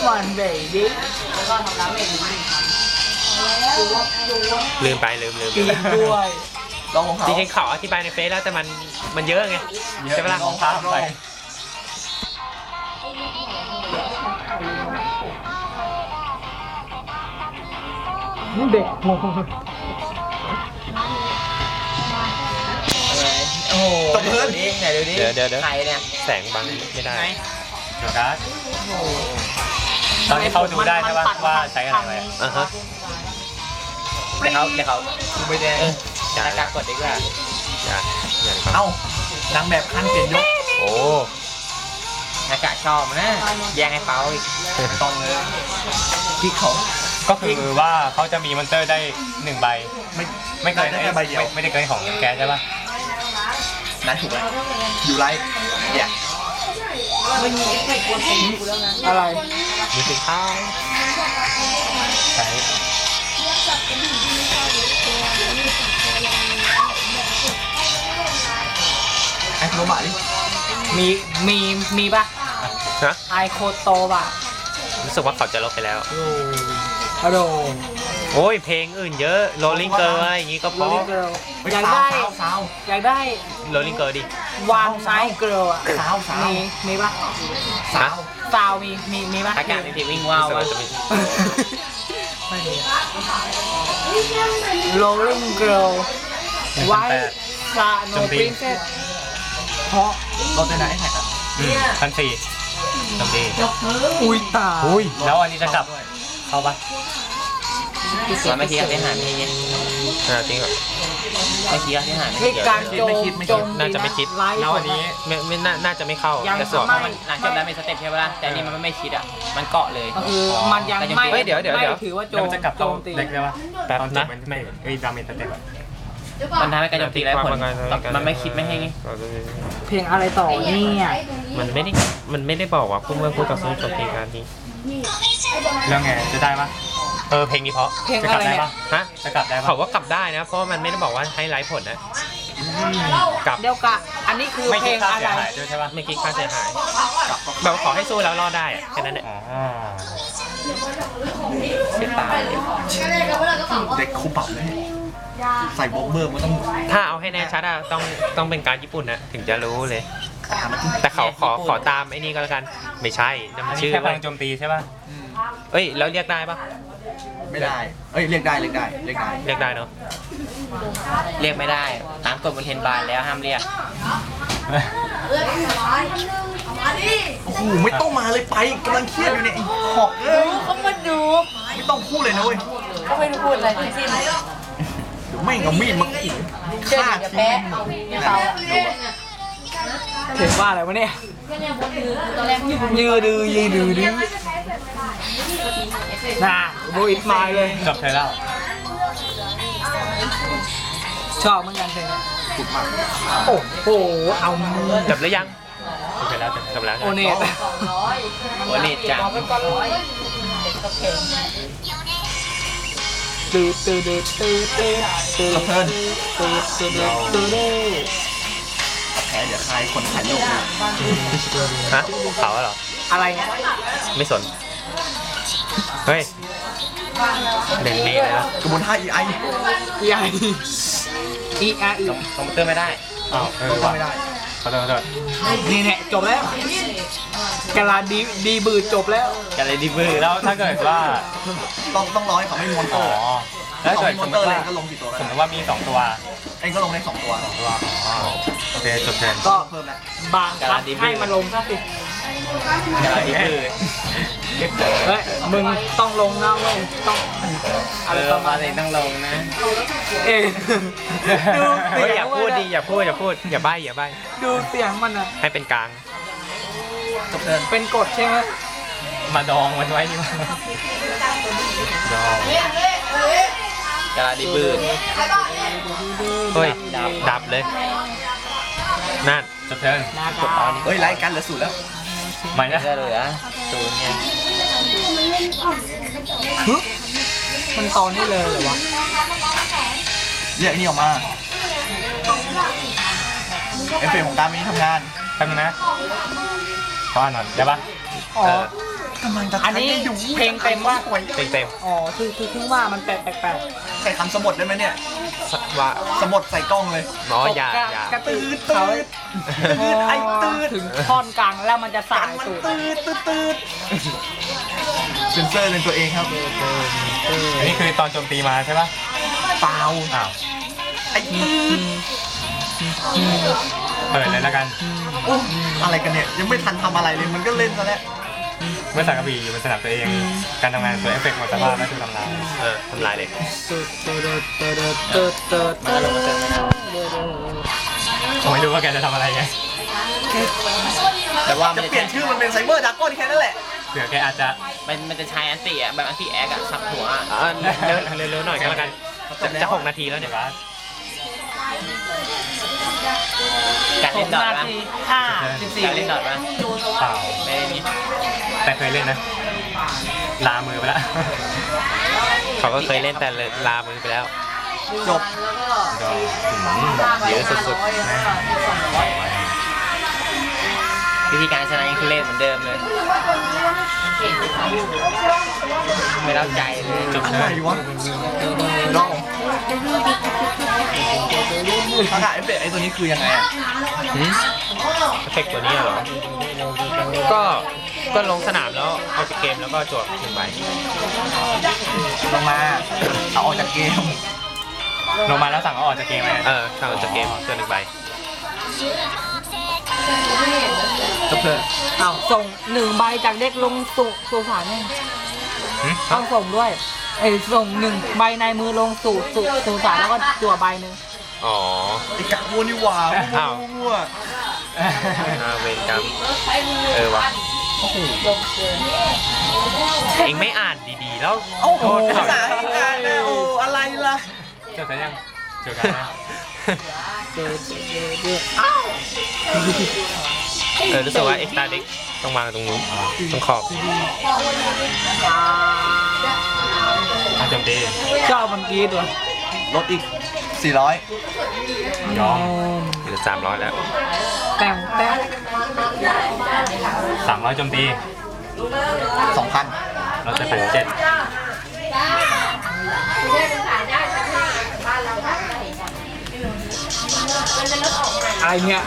on baby ลืมไปลืมกินด้วยลองของเขาจริงๆเขาอธิบายในเฟซแล้วแต่มันเยอะไงใช่ไหมล่ะลองพาไปเด็กโง่โอ้โหตบเพื่อนไหนดูดิเดี๋ยวใครเนี่ยแสงบังไม่ได้เดี๋ยวนะตอนนี้เขาดูได้ใช่ปะว่าใช้อะไรไปอ่ะฮะเดี๋ยวเขาไม่ได้อย่าหน้ากากกดดีกว่าอย่าเอ้านางแบบขั้นเปลี่ยนยกโอ้หน้ากากชอบนะแย่งให้เป้าอีกต้องเลยที่เขาก็คือว่าเขาจะมีมอนเตอร์ได้1ใบไม่เกินได้แค่ใบเดียวไม่ได้เกินของแกใช่ปะนั่นถูกแล้วอยู่ไรเนี่ย อะไรมีสีข้าวใช้ไอ้โรบะดิมีป่ะนะไอโคโตป่ะรู้สึกว่าเขาจะลบไปแล้วฮัลโหลโอ้ยเพลงอื่นเยอะ Rolling Girl อะไรอย่างงี้ก็เพโรราะลิเกิร์ลเฮ้ยอยากสาวได้สาวอยากได้ Rolling Girl ดิวานไนเกิร์ลอ่ะสาวสาวมีป่ะสาวซาวมีป่ะอากาศในทีวิ่งว้าวรู้สึกว่าจะมีไม่มีโรลลิ่งเกิร์ลไว้ซาโนปรินเซสเพราะเราจะไหนแท็กอ่ะ 1,400จำดีอุ้ยตายอุ้ยแล้วอันนี้จะกลับเข้าปะมันไม่คิดที่หารนี่จริงเหรอไม่คิดที่หารเหตุการณ์โจมโจมน่าจะไม่คิดไลฟ์แล้วอันนี้ไม่น่าจะไม่เข้ายังแต่ส่วนไม่หลังจบแล้วมีสเต็ปใช่ไหมล่ะแต่นี่มันไม่คิดอ่ะมันเกาะเลยก็คือมันยังไม่เฮ้ยเดี๋ยวไม่ถือว่าโจแล้วมมันจะกลับโจเข้ามตีเด็กได้ปะแป๊บตอนจนะบมันไม่ดาเมจเต็มอะมันทำให้การโจมตีไร้ผลมันไม่คิดไม่ให้ไงเพลงอะไรต่อเนี่ยมันไม่ได้บอกว่าเมื่อคู่ต่อสู้จบเพลงการนี้แล้วไงจะได้ปะเพลงนี้เพราะเพลงจะกอะลับไรได้เนี่ยปะฮะจะกลับได้ปะเขาก็กลับได้นะ เพราะว่ามันไม่ได้บอกว่าให้ไลฟ์ผลนะกลับเดี๋ยวกะอันนี้คือไม่เพลคิดงค่าอะเสียไรหายด้วยใช่ปะไม่คิดค่าเสียหายแบบว่าขอให้สู้แล้วรอดได้อะแค่นั้นแหละอ๋อเสียตายเด็กคูปรับเลยใส่บ็อกเบอร์มันต้องถ้าเอาให้แน่ชัดอะต้องเป็นการญี่ปุ่นนะถึงจะรู้เลย แต่เขาขอตามไอ้นี่ก็แล้วกันไม่ใช่นั่นอัมัน นนี้ชื่อแค่พว่าลังโจมตีใช่ปะเอ้ยแล้วเรียกได้ปะไม่ได้ เอ้ยเรียกได้เรียกได้เรียกได้เรียกได้เนาะเรียกไม่ได้ตามกฎบนเทนบาร์แล้วห้ามเรียกโอ้โหไม่ต้องมาเลยไปกำลังเครียดอยู่เนี่ยไอ้หอกเอ้ยเขามาดูไม่ต้องพูดเลยนะเว้ยเขาไม่ได้พูดอะไรทั้งสิ้นเดี๋ยวไม่งเอามีดมาขู่เดินฆ่าจะทิ้แพ้งเขาเห็นว่าอะไรวะเนี่ยยืดดื้อน่ะโบอิทมาเลยจบเธอแล้วชอบเหมือนกันเพลงนี้ถูกมากโอ้โหเอามือจบหรือยังจบไปแล้วจบแล้วโอเนตโอเนตจังแพ้เดี๋ยวใครคนถ่ายรูปเนี่ยฮะเขาเหรออะไรเนี่ยไม่สนเฮ้ยเด่นนี้เลยนะกระบวนท่า EI ใหญ่อีอาอีคอมพิวเตอร์ไม่ได้อ้าวต้องว่ะไม่ได้ขอโทษนี่เนี่ยจบแล้วกาลาดีบืดจบแล้วกันเลยดิบือแล้วถ้าเกิดว่าต้องรอให้เขาไม่มอนเตอ๋ออร์แล้วเขาเกิดไม่มสอมนมเตอร์ติเลว่ายก็ลงกี่ตัวสก็มมได้ติว่ามี2ตัวเองก็ลงได้2ตัวโอเคจบเทิร์นก็เพิ่มแล้วบางคัดให้มาลงซะสิกันเลยดิบือเฮ้ยมึงต้องลงนะเว้ยต้องอะไรประมาณเลยนี้ต้องลงนะเองดูเฮ้ยเสียอย่าง พูดดิอย่าพูดอย่าใบ้อย่าใบ้ดูเสียงมันอ่ะให้เป็นกลางจบเทิร์นเป็นกฎใช่ไหมมาดองมันไว้นี่มาดองกันเลยดิบือเฮ้ยดับเลยนั่นจบเทิร์นนากาเฮ้ยไล่กันเหลือ0แล้วใหม่นะก็เหลือศูนย์ไงมันตอนนี้เลยเหรอวะเรียกไอ้นี่ออกมาเอฟเฟกต์ของการนี้ทำงานแป๊บนึงนะขออ่านหน่อยได้ปะอ๋อทกำลังจะอันนี้เพลงเต็มว่าเต็มเต็มอ๋อคือเพิ่งว่ามันแปลกใส่คำสมดได้ไหมเนี่ยๆว่าสมดใส่กล้องเลยอ๋อๆอย่ากระตือตืดเขาตืดไอ้ตืดถึงท่อนกลางแล้วมันจะสากัยนมันตูดตืดเซนเซอร์เป็นตัวเองครับอันนี้คือตอนโจมตีมาใช่ปะเปล่าอ้าวไอ้ตืดเปิดเลยแล้วกันโอ้อะไรกันเนี่ยยังไม่ทันทำอะไรเลยมันก็เล่นซะแล้วเมื่อสังกะบีอยู่บนสนามตัวเอง การทำงานตัวเอฟเฟกต์หมดสภาพและถูกทำลายทำลายเลยผมไม่รู้ว่าแกจะทำอะไรไงแต่ว่ามัจะนจะเปลี่ยนชื่อมันเป็นไซเบอร์ดราก้อนแค่นั้นแหละเผื่อแกอาจจะมันจะใช้อันติอ่ะแบบอันติแอคอ่ะสับหัวอะเร็วๆหน่อยก็แล้วกันจะ6 นาทีแล้วเนี่ยการเล่นดอทปะ 5 การเล่นดอทปะเปล่าไม่ได้นี่แต่เคยเล่นนะ ลามือไปแล้วเขาก็เคยเล่นแต่ลามือไปแล้วจบก็เยอะสุดวิธีการชนะยังคือเล่นเหมือนเดิมเลยไม่เล่าใจเลยจบอะเลไรยวะน้องอากาศเอฟเฟกต์ไอ้ตัวนี้คือยังไงอ่ะเอฟเฟกต์ตัวนี้เหรอ ก็ลงสนามแล้วเอาจากเกมแล้วก็จวบ1 ใบลงมาเอาออกจากเกมลงมาแล้วสั่งเอาออกจากเกมไหมสั่งเอาจากเกมจว1 ใบจบเลยอ้าวส่ง1 ใบจากเด็กลงสู่สารเนี่ยต้องส่งด้วยส่ง1 ใบในมือลงสู่สารแล้วก็จั่วใบหนึ่งอ๋อไอ้กะวัวนี่หว่าอ้าววัวเวรกรรมวะเองไม่อ่านดีๆแล้วโอ้โหภาษาอังกฤษนะโอ้อะไรล่ะจบกันยังจบกันนะรู้สึกว่าเอ็กซ์ตาเด็กต้องวางตรงนู้นตรงขอบโจมตีเจ้ามันกรีดวะลดอีก 400 ยอมเหลือ300 แล้วแต่ง 300โจมตี 2,000 เราจะแบ่ง7 อะไรเนี่ย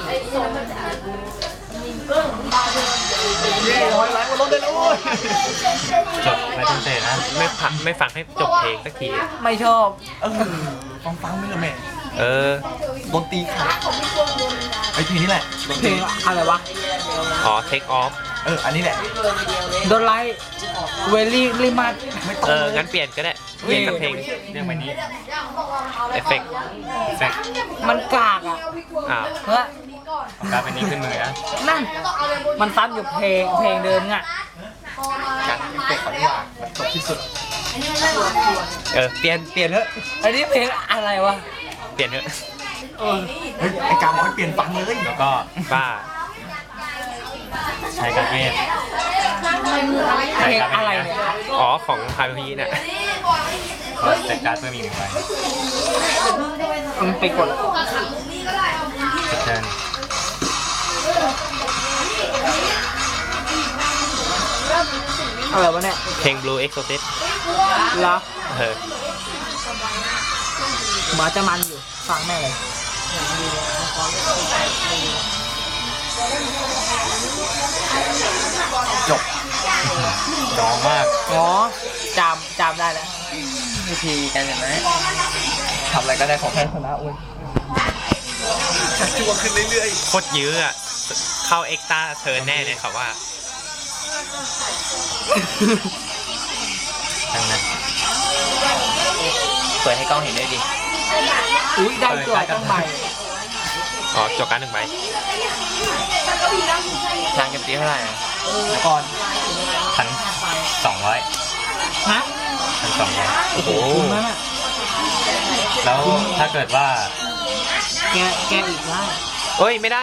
เย้100 ล้านมันลดได้แล้วเว้ยจบไม่ต้องเตะนะไม่ฟังให้จบเพลงสักทีไม่ชอบฟังไม่ละแม่ ดนตรีขาดไอ้เพลงนี้แหละดนเพตลรีงอะไรวะอ๋อ take off อันนี้แหละโดนไลท์เวลี่ลิมัดไม่ต้องเลยงั้นเปลี่ยนก็ได้ เปลี่ยนกับเพลงเรื่องใบนี้เอฟเฟกต์เฟกมันกากอ่ะอ้าวเฮ้ยของการเป็นนี้ขึ้นมือนะนั่น มันซ้ำอยู่เพลงเดิมไงการเอฟเฟกต์ของนี่หว่ามันจบที่สุดเปลี่ยนเถอะอันนี้เพลงอะไรวะเปลี่ยนเถอะเฮ้ยไอ้การบอกให้เปลี่ยนฟังเลยแล้วก็บ้าใช้การเวทเพลงอะไรเนี่ยอ๋อ ของฮารุฮิน่ะก็จัดการเพิ่มอีก1 ใบมันไปกดจบเทิร์นอะไรวะเนี่ยเพลง Blue Exorcist เหรอเออหมาจะมันอยู่ ฟังแม่เลยจบยอมมากอ๋อจำได้แล้ววิธีการชนะทำอะไรก็ได้ของแพ้ชนะเว้ยชักชวนขึ้นเรื่อยโคตรยื้ออ่ะ เข้าเอ็กซ์ตาเทิร์นแน่เลยเขาว่าทั้งนั้นเปิดให้กล้องเห็นด้วยดิอุ้ยได้ตัวต้องใบอ๋อจบการ1 ใบทางเก็บตีเท่าไหร่อะๆก่อน 1,200 ฮะ 1,200 โอ้โหคุ้มมากแล้วถ้าเกิดว่าแกอีกได้เฮ้ย ไม่ได้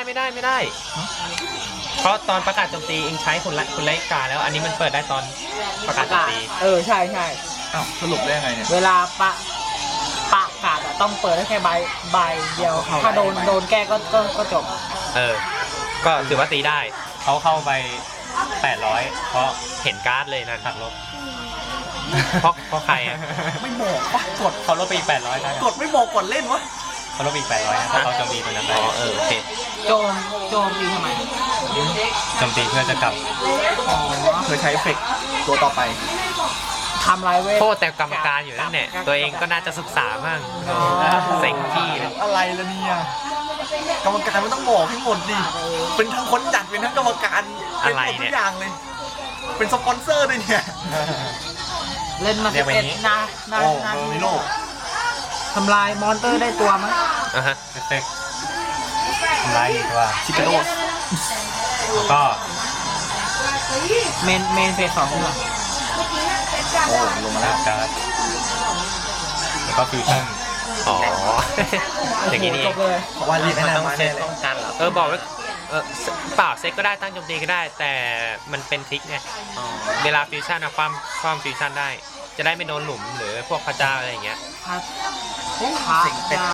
เพราะตอนประกาศโจมตีเองใช้คุณไลกาแล้ว อันนี้มันเปิดได้ตอนประกาศโจมตีใช่อ้าวสรุปได้ยังไงเนี่ยเวลาปะกาดอะต้องเปิดได้แค่ใบเดียว ถ้าโดนแก้ก็จบก็ถือว่าตีได้เขาเข้าไป800 เพราะเห็นการ์ดเลยนั่นหักลบเพราะใครอ่ะไม่บอกปะกดเขาลบไปอีก800นะกดไม่บอกก่อนเล่นวะเขาลบไปอีก800นะเพราะเขาโจมตีตัวนั้นไปอ๋อโอเคโจมดีทำไมโจมตีเพื่อจะกลับอ๋อเธอใช้เอฟเฟกต์ตัวต่อไปทำไรเว้ยโทษแต่กรรมการอยู่นั่นแหละตัวเองก็น่าจะศึกษามั่งเซ็งพี่เลยอะไรล่ะเนี่ยกรรมการไม่ต้องบอกให้หมดดิเป็นทั้งคนจัดเป็นทั้งกรรมการเป็นหมดทุกอย่างเลย เป็นสปอนเซอร์ด้วยเนี่ยเล่นมาเรียกว่าอย่างนี้ 11นาโอ้นาเออทีมิโลทำลายมอนเตอร์ได้ตัวมั้ยอ่ะฮะเอฟเฟกต์ทำลายอีกตัวชิคาโดสแล้วก็เมนเฟส2เหรอโอ้ลงมาแล้วการ์ดแล้วก็ฟิวชั่นอ๋อ อย่างนี้นี่เอจงบเลยเพราะว่ารีบให้มันนาต้องมาเซ็แน่ตเลยป้องกันเหรอบอกไว้เปล่าเซ็ตก็ได้ตั้งโจมตีก็ได้ แต่มันเป็นทริกไงอ๋อเวลาฟิวชั่นอะความฟิวชั่นได้ จะได้ไม่โดนหลุมหรือพวกพระเจ้าอะไรอย่างเงี้ยครับเสียงเป็ด